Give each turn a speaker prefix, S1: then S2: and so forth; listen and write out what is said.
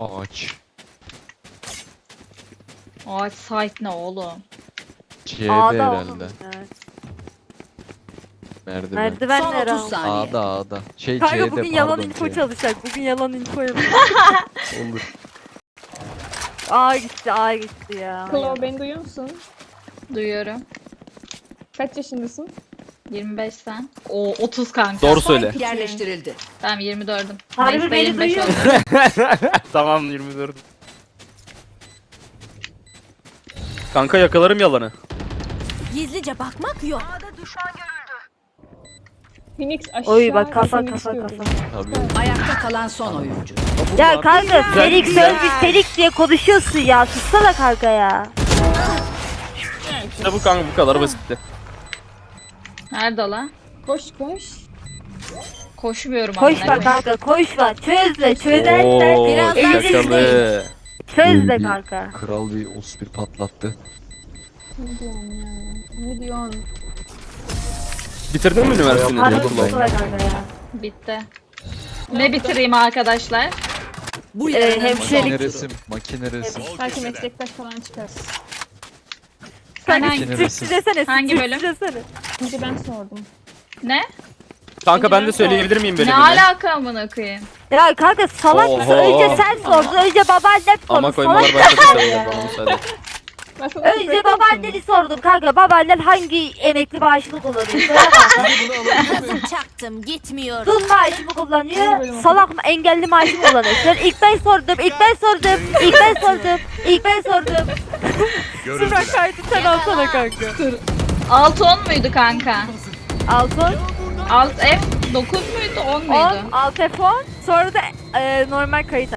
S1: Ağaç.
S2: Ağaç site ne oğlum?
S1: C'de
S3: A'da
S1: herhalde.
S3: oğlum. Evet.
S1: Merdiven.
S3: Merdiven
S4: Son
S3: nere
S4: 30
S3: ama?
S4: saniye.
S1: A'da A'da. Şey
S3: Kanka
S1: C'de
S3: bugün yalan
S1: pardon,
S3: info
S1: C.
S3: çalışacak. Bugün yalan info yapacak.
S1: Olur.
S3: A gitti, A gitti ya.
S5: Klo beni duyuyor musun?
S2: Duyuyorum.
S5: Kaç yaşındasın?
S2: 25 sen. O 30 kanka.
S6: Doğru söyle.
S4: Yerleştirildi.
S2: Tamam 24'üm.
S3: Harbi
S2: Neyse,
S3: beni
S2: 25
S3: duyuyor
S2: oldu.
S6: Tamam 24. Kanka yakalarım yalanı.
S4: Gizlice bakmak yok.
S5: Phoenix aşağı.
S3: Oy bak kafa
S5: seni
S3: kafa
S5: istiyorum.
S3: kafa.
S1: Tabii.
S4: Ayakta kalan son oyuncu.
S3: Ya kanka Felix
S6: güzel.
S3: Sözcük Felix diye konuşuyorsun ya. Sussana kanka ya.
S6: İşte bu kanka bu kadar basitti.
S2: Nerede o lan?
S5: Koş koş.
S2: Koşmuyorum
S3: Koşma
S2: amına koyayım.
S3: kanka koşma. Çözle çözersen
S6: Oo
S4: biraz
S3: eğlenirsin.
S6: şakalı.
S3: Çözle
S1: Bir
S3: kanka.
S1: Kral bir 31 patlattı.
S5: Ne diyorsun ya? Ne diyorsun?
S6: Bitirdin mi üniversiteni?
S3: Harbi
S1: Oğlum ben-
S3: kusura kanka ya.
S2: Bitti. Ne bitireyim arkadaşlar?
S4: Bu yarının
S3: hemşirelik.
S1: Makine resim. Makine resim.
S5: Belki meslektaş falan çıkar.
S2: Sen
S3: Kanka
S2: hangi,
S1: Makine
S3: sütçü
S1: resim.
S3: desene.
S2: Hangi
S3: sütçü
S2: bölüm?
S3: desene.
S5: Şimdi ben sordum.
S2: ne?
S6: Kanka ben de söyleyebilir miyim
S2: Ne
S6: bölümünü?
S2: alaka amına koyayım?
S3: Ya kanka salak mısın?
S6: Oho.
S3: Önce sen sordun. Önce babaannen
S6: Ama
S3: sordu.
S6: koymalar
S3: Salak
S6: başladı
S3: mısın
S6: tabii
S3: ya?
S6: bana müsaade.
S5: Ben sana
S3: Önce
S5: söyleyeyim
S3: babaanneni sordum kanka. Babaannen hangi emekli maaşını kullanıyor? Söyle bak.
S4: Kızım çaktım gitmiyorum.
S3: Dul maaşı mı kullanıyor? Salak mı? Engelli maaşı mı kullanıyor? Sen ilk ben sordum. İlk ben sordum. İlk ben sordum. İlk ben sordum. Sıra kaydı sen alsana kanka.
S2: Alt 10 muydu kanka?
S3: Altın.
S2: Alt F 9 muydu 10 muydu?
S3: 10. Alt F10. Sonra da normal kayıt